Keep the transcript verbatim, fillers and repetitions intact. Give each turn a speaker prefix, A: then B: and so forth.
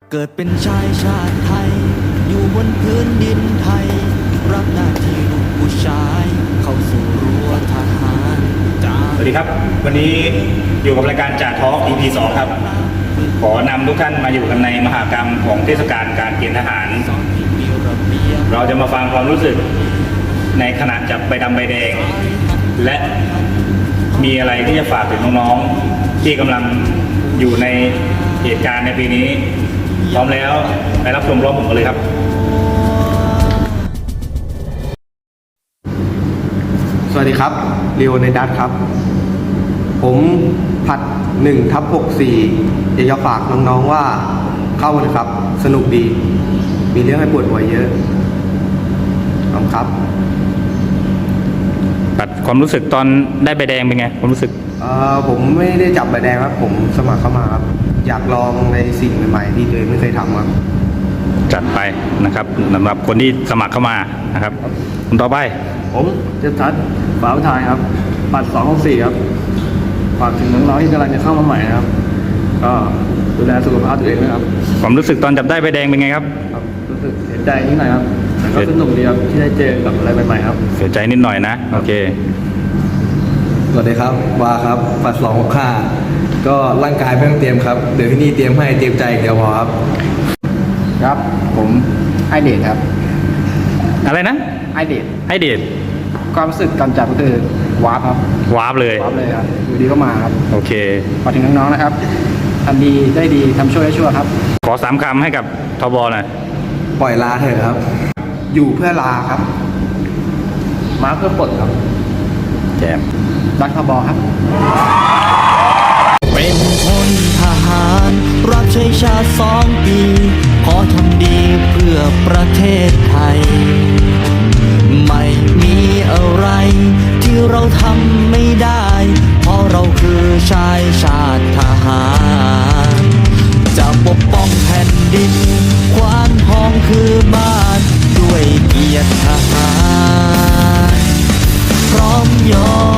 A: เกิดเป็นชายชาติไทยอยู่บนพื้นดินไทยรับหน้าที่ลูกผู้ชายเข้าสู่รั้วทหาร
B: สวัสดีครับวันนี้อยู่กับรายการจ่าท้อง อี พี สองครับขอนำทุกท่านมาอยู่กันในมหกรรมของเทศกาลการเกณฑ์ทหารเราจะมาฟังความรู้สึกในขณะจับใบดำใบแดงและมีอะไรที่จะฝากถึงน้องๆที่กำลังอยู่ในเหตุการณ์ในปีนี้พร้อมแล้วไปรับชมพร้อมผมกันเลยครับ
C: สวัสดีครับเรียวในดัตครับผมผัดหนึ่งทับหกสี่อยากจะฝากน้องๆว่าเข้าเลยครับสนุกดีมีเรื่องให้ปวดหัวเยอะขอบคุณครับ
B: ปัดความรู้สึกตอนได้ใบแดงเป็นไงความรู้สึก
C: เอ่อผมไม่ได้จับใบแดงครับผมสมัครเข้ามาครับอยากลองในสิ่งใหม่ๆที่ตัวเองไม่เคยทำครับ
B: จัดไปนะครับสำหรับคนที่สมัครเข้ามานะครับคนต่อไป
D: ผมจะทัดฝาทายครับปัดสองหกสี่ครับฝากถึงน้องๆที่กำลังจะเข้ามาใหม่นะครับก็ดูแลสุขภาพตัวเองนะครับ
B: ความรู้สึกตอนจับได้ใบแดงเป็นไงครับ
D: รู้สึกเสียใจนิดหน่อยครับแต่ก็สนุกดีครับที่ได้เจอกับอะไรใหม่ๆครับ
B: เสียใจนิดหน่อยนะโอเค
E: สวัสดีครับวาครับปัดสองหกห้าก็ร่างกายไม่ต้องเตรียมครับเดี๋ยวที่นี่เตรียมให้เตรียมใจเดียวพอครับ
D: ครับผมไอเดทครับ
B: อะไรนะ
D: ไอเดท
B: ไอเดท
D: ความรู้สึกการจับก็คือวาร์ปครับ
B: วาร์ปเลยว
D: าร์ปเลยครับอยู่ดีก็มาครับ
B: โอเค
D: ฝากถึงน้องๆนะครับทำดีได้ดีทำชั่วได้ชั่วครับ
B: ขอสามคำให้กับทบหน่อย
E: ปล่อยลาเถอะครับ
C: อยู่เพื่อลาครับ
D: มาเพื่อปลดครับ
B: แจม
D: รักทบครับ
A: เป็นพลทหารรับใช้ชาติสองปีขอทำดีเพื่อประเทศไทยไม่มีอะไรที่เราทำไม่ได้เพราะเราคือชายชาติทหารจะปกป้องแผ่นดินควานทองคือบ้านด้วยเกียรติทหารพร้อมยอม